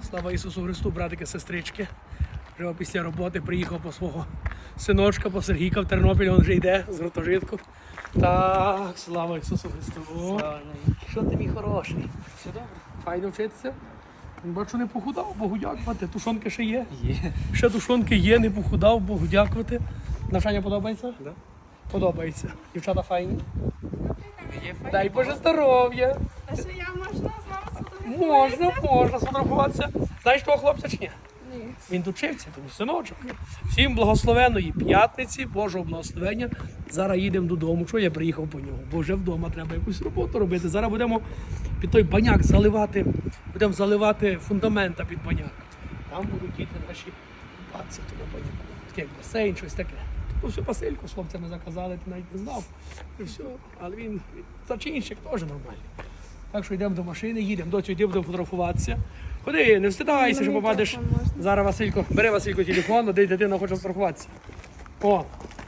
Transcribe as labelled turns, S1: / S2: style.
S1: Слава Ісусу Христу, братики, сестрички. Вже після роботи приїхав по свого синочка, по Сергійка в Тернопіль, він вже йде з гуртожитку. Так, слава Ісусу Христу.
S2: Слава.
S1: Що ти, мій хороший?
S2: Все добре?
S1: Файно вчитися? Бачу, не похудав, Богу дякувати. Тушонки ще є.
S2: Є.
S1: Ще тушонки є, не похудав, Богу дякувати. Навчання подобається?
S2: Да.
S1: Подобається. Дівчата файні?
S2: Є файно.
S1: Дай Боже здоров'я.
S3: А що я можна з вами сфотографуватися?
S1: Можна сфотографуватися. Знаєш того хлопця чи ні?
S3: Ні.
S1: Він тут вчився, тому синочок. Всім благословенної п'ятниці, Божого благословення. Зараз їдемо додому. Чого я приїхав по нього? Бо вже вдома треба якусь роботу робити. Зараз будемо під той баняк заливати, будемо заливати фундамента під баняк. Там будуть діти наші купатися в тому баняку. Таке як басейн, щось таке. Ну, все Василько з хлопцями заказали, ти навіть не знав. І все. Але він зачинщик теж нормальний. Так що йдемо до машини, їдемо. Доцю, йди, будемо фотографуватися. Ходи, не встидайся, що
S3: Мені
S1: попадеш.
S3: телефон можна?
S1: Зараз Василько, бери Василько телефон, де дитина хоче страхуватися. О,